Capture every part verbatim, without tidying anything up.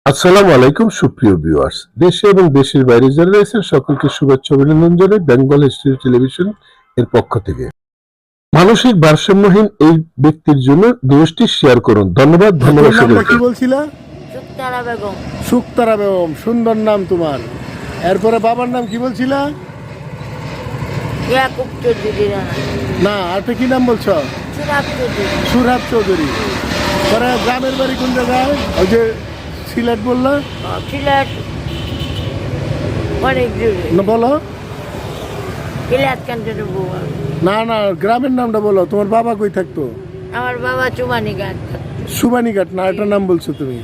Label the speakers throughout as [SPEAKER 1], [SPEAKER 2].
[SPEAKER 1] আসসালামু আলাইকুম সুপ্রিয় ভিউয়ার্স, দেশে এবং দেশের বাইরে যারা রয়েছেন সকলকে শুভেচ্ছা অভিনন্দন জানাই বেঙ্গল হিস্ট্রি টেলিভিশন এর পক্ষ থেকে। মানসিক ভারসাম্যহীন এই ব্যক্তির জন্য নিউজটি শেয়ার করুন। ধন্যবাদ। ধন্যবাদ সকলকে।
[SPEAKER 2] কি বলছিলা?
[SPEAKER 3] শুকতারা বেগম।
[SPEAKER 2] শুকতারা বেগম, সুন্দর নাম তোমার। এরপরে বাবার নাম কি বলছিলা?
[SPEAKER 3] ইয়াকুব চৌধুরী রানা।
[SPEAKER 2] না, আরেকটা কি নাম বলছো?
[SPEAKER 3] সুরাব চৌধুরী।
[SPEAKER 2] সুরাব চৌধুরী। পরে গ্রামের বাড়ি কোন জায়গায়? ওই যে সিলেট বললা?
[SPEAKER 3] সিলেট অনেক দূরে।
[SPEAKER 2] না বলো।
[SPEAKER 3] সিলেট কান্ট্রি বউ।
[SPEAKER 2] না না, গ্রামের নামটা বলো। তোমার বাবা কই থাকতো?
[SPEAKER 3] আমার বাবা চুমানিঘাট।
[SPEAKER 2] সুবানীঘাট না, একটা নাম বলছো তুমি?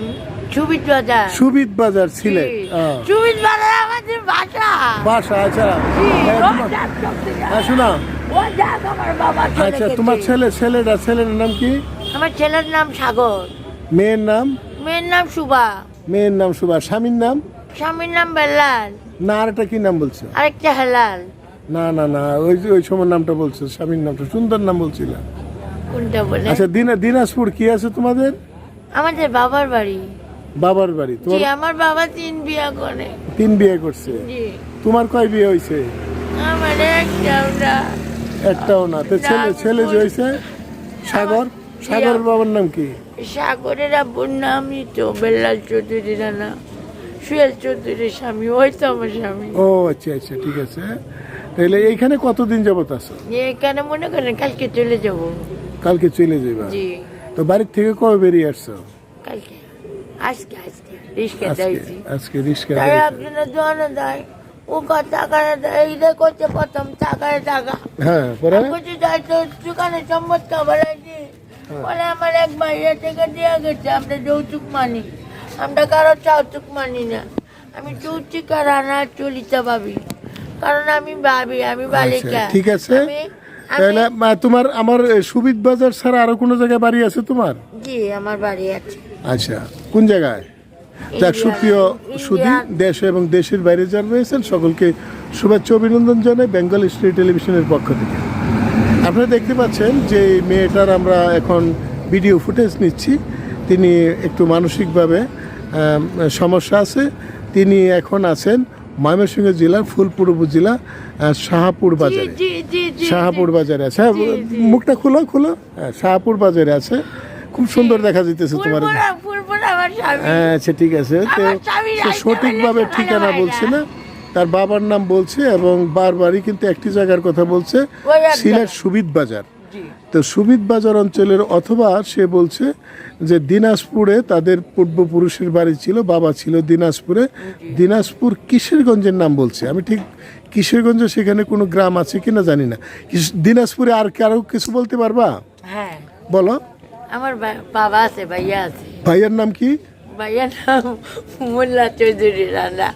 [SPEAKER 3] সুবিদ বাজার।
[SPEAKER 2] সুবিদ বাজার, সিলেট। হ্যাঁ।
[SPEAKER 3] সুবিদ বাজার আমাদের ভাষা।
[SPEAKER 2] বাসা, আচ্ছা। হ্যাঁ, তোমার- হ্যাঁ, শোনা।
[SPEAKER 3] ও যাক আমার বাবা চলে
[SPEAKER 2] আচ্ছা,
[SPEAKER 3] গেছে।
[SPEAKER 2] তোমার ছেলে ছেলেটা ছেলের নাম কি?
[SPEAKER 3] আমার ছেলের নাম সাগর।
[SPEAKER 2] মেয়ের নাম?
[SPEAKER 3] মেয়ের নাম সুবা।
[SPEAKER 2] মেয়ের নাম সুভা। স্বামীর নাম?
[SPEAKER 3] স্বামীর নাম বেল্লাল।
[SPEAKER 2] না, আরেকটা কি নাম বলছো?
[SPEAKER 3] আরেকটা হেলাল।
[SPEAKER 2] না না না, ওই যে ওই সময় নামটা বলছো, স্বামীর নামটা সুন্দর নাম বলছিল।
[SPEAKER 3] কোনটা বলে?
[SPEAKER 2] আচ্ছা, দিনা দিনাজপুর কি আছে তোমাদের?
[SPEAKER 3] আমাদের বাবার বাড়ি।
[SPEAKER 2] বাবার বাড়ি।
[SPEAKER 3] জি,
[SPEAKER 2] তোমার
[SPEAKER 3] আমার বাবা তিন বিয়া করে।
[SPEAKER 2] তিন বিয়ে করছে?
[SPEAKER 3] জি।
[SPEAKER 2] তোমার কয় বিয়ে হয়েছে?
[SPEAKER 3] আমার একটাও না।
[SPEAKER 2] একটাও না। তো ছেলে ছেলে যে হয়েছে সাগর, সাগরের বাবার নাম কি?
[SPEAKER 3] সাগরের আব্বুর নামই তো বেল্লাল চৌধুরী রানা। সুয়েল চৌধুরীর স্বামী, ওই তো আমার স্বামী।
[SPEAKER 2] ও আচ্ছা আচ্ছা, ঠিক আছে। তাহলে এইখানে কতদিন যাবত আছো?
[SPEAKER 3] এখানে মনে করেন কালকে চলে যাব।
[SPEAKER 2] কালকে চলে যাবা?
[SPEAKER 3] জি।
[SPEAKER 2] তো বাড়ির থেকে কবে বেরিয়ে আসছো?
[SPEAKER 3] কালকে আজকে আজকে রিস্কে
[SPEAKER 2] আজকে
[SPEAKER 3] যাইছি।
[SPEAKER 2] আজকে রিস্কা?
[SPEAKER 3] তাই একজনের দোয়ানো দেয়, ও কত টাকা দেয়, এইটা করছে প্রথম টাকায় টাকা।
[SPEAKER 2] হ্যাঁ, পরে
[SPEAKER 3] কিছু যাই তো দোকানে সম্মত খাবার আছে বলে আমার এক ভাইয়া থেকে দেওয়া গেছে, আমরা যৌতুক মানি, আমরা কারো যৌতুক মানি না। আমি যৌতুক আর আনা চলিতে ভাবি, কারণ আমি ভাবি আমি বালিকা।
[SPEAKER 2] আচ্ছা, ঠিক আছে।
[SPEAKER 3] আমি-
[SPEAKER 2] তাহলে
[SPEAKER 3] আমি-
[SPEAKER 2] মা, তোমার আমার এ, সুবিদ বাজার ছাড়া আরো কোনো জায়গায় বাড়ি আছে তোমার?
[SPEAKER 3] জি, আমার বাড়ি আছে
[SPEAKER 2] আচ্ছা, কোন জায়গায়? যাক, সুপ্রিয় সুধী, দেশ এবং দেশের বাইরে যারা রয়েছেন সকলকে শুভেচ্ছা অভিনন্দন জানাই বেঙ্গল হিস্ট্রি টেলিভিশনের পক্ষ থেকে। আপনারা দেখতে পাচ্ছেন যে এই মেয়েটার আমরা এখন ভিডিও ফুটেজ নিচ্ছি। তিনি একটু মানসিকভাবে আম, সমস্যা আছে। তিনি এখন আছেন ময়মনসিংহ জেলার ফুলপুর উপজেলা আহ, শাহপুর বাজারে।
[SPEAKER 3] জি জি জি
[SPEAKER 2] শাহপুর বাজারে আছে। হ্যাঁ, মুখটা খুলো খুলো। হ্যাঁ, শাহপুর বাজারে আছে। খুব সুন্দর দেখা যাইতেছে তোমার।
[SPEAKER 3] ফুলপুরা ফুলপুরা আমার স্বামী।
[SPEAKER 2] হ্যাঁ, আচ্ছা, ঠিক আছে। তো
[SPEAKER 3] আমার স্বামী
[SPEAKER 2] সে
[SPEAKER 3] রাইতে
[SPEAKER 2] সঠিকভাবে
[SPEAKER 3] বলেছে
[SPEAKER 2] ঠিকানা
[SPEAKER 3] ভালো
[SPEAKER 2] বলছে
[SPEAKER 3] ভাইরা।
[SPEAKER 2] না, তার বাবার নাম বলছে এবং বারবারই কিন্তু একটি জায়গার কথা বলছে,
[SPEAKER 3] ওই এক
[SPEAKER 2] সিলেট
[SPEAKER 3] জায়গা।
[SPEAKER 2] সুবিদ বাজার।
[SPEAKER 3] জি।
[SPEAKER 2] তো সুবিদ বাজার অঞ্চলের, অথবা সে বলছে যে দিনাজপুরে তাদের পূর্বপুরুষের বাড়ি ছিল, বাবা ছিল দিনাজপুরে। দিনাজপুর কিশোরগঞ্জের নাম বলছে। আমি ঠিক কিশোরগঞ্জ সেখানে কোনো গ্রাম আছে কিনা জানি না। কিশ- দিনাজপুরে আর কারো কিছু বলতে পারবা?
[SPEAKER 3] হ্যাঁ,
[SPEAKER 2] বলো।
[SPEAKER 3] আমার বা- বাবা আছে, ভাইয়া আছে।
[SPEAKER 2] ভাইয়ার নাম কি?
[SPEAKER 3] ভাইয়ার নাম মোল্লা চৌধুরী রানা।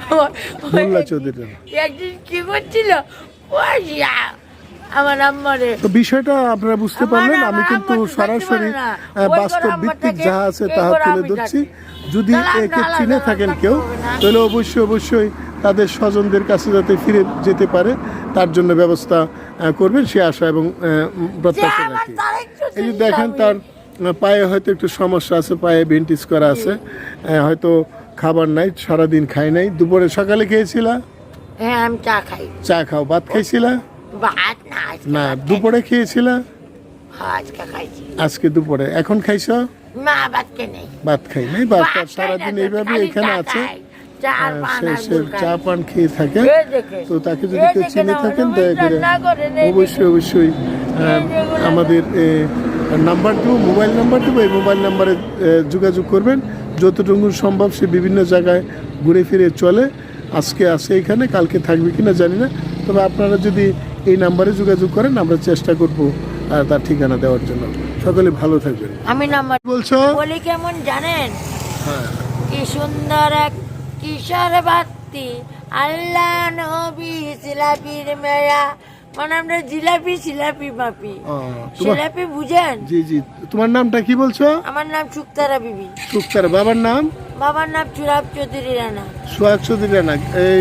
[SPEAKER 2] মোল্লা চৌধুরী।
[SPEAKER 3] একদিন কি করছিল, ওই ইয়া, আমার আম্মারে।
[SPEAKER 2] তো বিষয়টা আপনারা বুঝতে
[SPEAKER 3] আমার
[SPEAKER 2] পারলেন।
[SPEAKER 3] না,
[SPEAKER 2] আমি
[SPEAKER 3] আমার
[SPEAKER 2] কিন্তু
[SPEAKER 3] আম্মা তো
[SPEAKER 2] সরাসরি
[SPEAKER 3] থাকতে পারে না।
[SPEAKER 2] আহ,
[SPEAKER 3] ওই
[SPEAKER 2] বাস্তব
[SPEAKER 3] ঘরে আম্মা
[SPEAKER 2] ভিত্তিক
[SPEAKER 3] থাকে,
[SPEAKER 2] যা আছে
[SPEAKER 3] এই
[SPEAKER 2] তাহা
[SPEAKER 3] ঘরে
[SPEAKER 2] তুলে
[SPEAKER 3] আমি
[SPEAKER 2] ধরছি।
[SPEAKER 3] থাকি।
[SPEAKER 2] যদি
[SPEAKER 3] তাহলে
[SPEAKER 2] একে
[SPEAKER 3] আলাদা
[SPEAKER 2] চিনে
[SPEAKER 3] আলাদা
[SPEAKER 2] থাকেন
[SPEAKER 3] থাকতে
[SPEAKER 2] কেউ,
[SPEAKER 3] হবে না।
[SPEAKER 2] তাহলে অবশ্যই অবশ্যই তাদের স্বজনদের কাছে যাতে ফিরে যেতে পারে তার জন্য ব্যবস্থা আহ, করবেন সে আশা এবং আহ, উম, প্রত্যাশা
[SPEAKER 3] যে আমার
[SPEAKER 2] রাখি।
[SPEAKER 3] তারেক চৌধুরী
[SPEAKER 2] এই যে দেখেন,
[SPEAKER 3] স্বামী।
[SPEAKER 2] তার আহ, পায়ে হয়তো একটু সমস্যা আছে, পায়ে বেন্টিস করা আছে। আহ, হয়তো খাবার নাই, সারাদিন খাই নাই। দুপুরে সকালে খেয়েছিলা?
[SPEAKER 3] হ্যাঁ, আমি চা খাই।
[SPEAKER 2] চা খাও। ভাত খাইছিলা?
[SPEAKER 3] ভাত না, আজকে
[SPEAKER 2] না,
[SPEAKER 3] ভাত খাই।
[SPEAKER 2] দুপুরে খেয়েছিলা?
[SPEAKER 3] হ্যাঁ, আজকে খাইছি।
[SPEAKER 2] আজকে দুপুরে। এখন খাইছ?
[SPEAKER 3] না, ভাত কে নেই।
[SPEAKER 2] ভাত খাই নাই। ভাত
[SPEAKER 3] ভাত খাই
[SPEAKER 2] সারাদিন
[SPEAKER 3] না তো,
[SPEAKER 2] এইভাবে
[SPEAKER 3] খালি
[SPEAKER 2] এখানে
[SPEAKER 3] চা
[SPEAKER 2] আছে।
[SPEAKER 3] খাই। চা আর
[SPEAKER 2] আহ,
[SPEAKER 3] পান
[SPEAKER 2] সে
[SPEAKER 3] আর
[SPEAKER 2] সে
[SPEAKER 3] গুড় খাই।
[SPEAKER 2] চা পান খেয়ে থাকে।
[SPEAKER 3] এই দেখে।
[SPEAKER 2] তো তাকে যদি
[SPEAKER 3] এই
[SPEAKER 2] কেউ
[SPEAKER 3] দেখে
[SPEAKER 2] চিনে
[SPEAKER 3] না,
[SPEAKER 2] থাকেন
[SPEAKER 3] অনুভব
[SPEAKER 2] দয়া করে
[SPEAKER 3] না করেন, এই
[SPEAKER 2] অবশ্যই অবশ্যই আহ,
[SPEAKER 3] যেগুলো-
[SPEAKER 2] আমাদের নাম্বার দেবো, মোবাইল নাম্বার দেবো। এই মোবাইল নাম্বারে আহ, যোগাযোগ করবেন। যতটুকু সম্ভব সে বিভিন্ন জায়গায় ঘুরে ফিরে চলে। আজকে আসে এখানে, কালকে থাকবে কিনা জানি না। তবে আপনারা যদি এই নাম্বারে যোগাযোগ করেন, আমরা চেষ্টা করব আহ, তার ঠিকানা দেওয়ার জন্য। সকলে ভালো থাকবেন।
[SPEAKER 3] আমি নাম্বার
[SPEAKER 2] বলছো?
[SPEAKER 3] বলি কেমন জানেন?
[SPEAKER 2] হ্যাঁ,
[SPEAKER 3] কি সুন্দর এক কিশোর বাত্তি, আল্লাহ নবী জিলাপির মেয়া, মানে আমরা জিলাপি জিলাপি মাপি।
[SPEAKER 2] ও, তোমার
[SPEAKER 3] জিলাপি বুঝেন?
[SPEAKER 2] জি জি, তোমার নামটা কি বলছো?
[SPEAKER 3] আমার নাম শুক্তারা বিবি।
[SPEAKER 2] সুক্তার। বাবার নাম?
[SPEAKER 3] বাবার নাম চুরাব চৌধুরী রানা।
[SPEAKER 2] সোহাগ চৌধুরী রানা। এই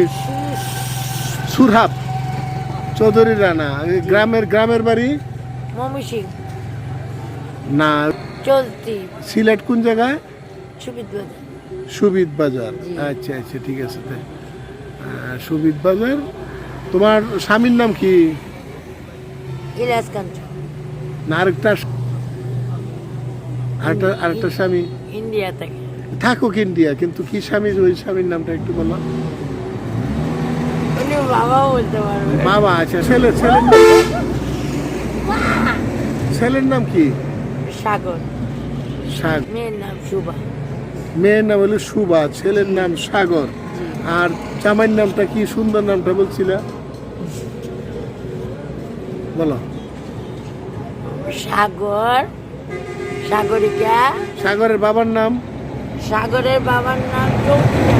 [SPEAKER 2] সুরহাব চৌধুরী রানা। এই গ্রামের গ্রামের বাড়ি?
[SPEAKER 3] মমি সিং
[SPEAKER 2] না,
[SPEAKER 3] চলতি
[SPEAKER 2] সিলেট কোন জায়গায়?
[SPEAKER 3] সুবিদ বাজার।
[SPEAKER 2] সুবিদ বাজার।
[SPEAKER 3] জি।
[SPEAKER 2] আচ্ছা আচ্ছা ঠিক আছে তাই। আহ, সুবিদ বাজার। তোমার স্বামীর নাম কি?
[SPEAKER 3] ইলাস কাঞ্চ
[SPEAKER 2] না আরেকটা আরেকটা আরেকটা স্বামী
[SPEAKER 3] ইন্ডিয়া থেকে।
[SPEAKER 2] থাকুক ইন্ডিয়া, কিন্তু কি স্বামীর ওই স্বামীর নামটা একটু বলো।
[SPEAKER 3] উনি বাবাও বলতে পারবে।
[SPEAKER 2] বাবা আচ্ছা, ছেলে ছেলের নাম ছেলের নাম কি?
[SPEAKER 3] সাগর।
[SPEAKER 2] সাগ
[SPEAKER 3] মেয়ের নাম শুভা।
[SPEAKER 2] মেয়ের নাম হলো সুবা, ছেলের নাম সাগর। আর জামাইয়ের নামটা কি? সুন্দর নামটা বলছিলা, বলো।
[SPEAKER 3] সাগর, সাগরিকা।
[SPEAKER 2] সাগরের বাবার নাম?
[SPEAKER 3] সাগরের বাবার নাম চৌধুরী।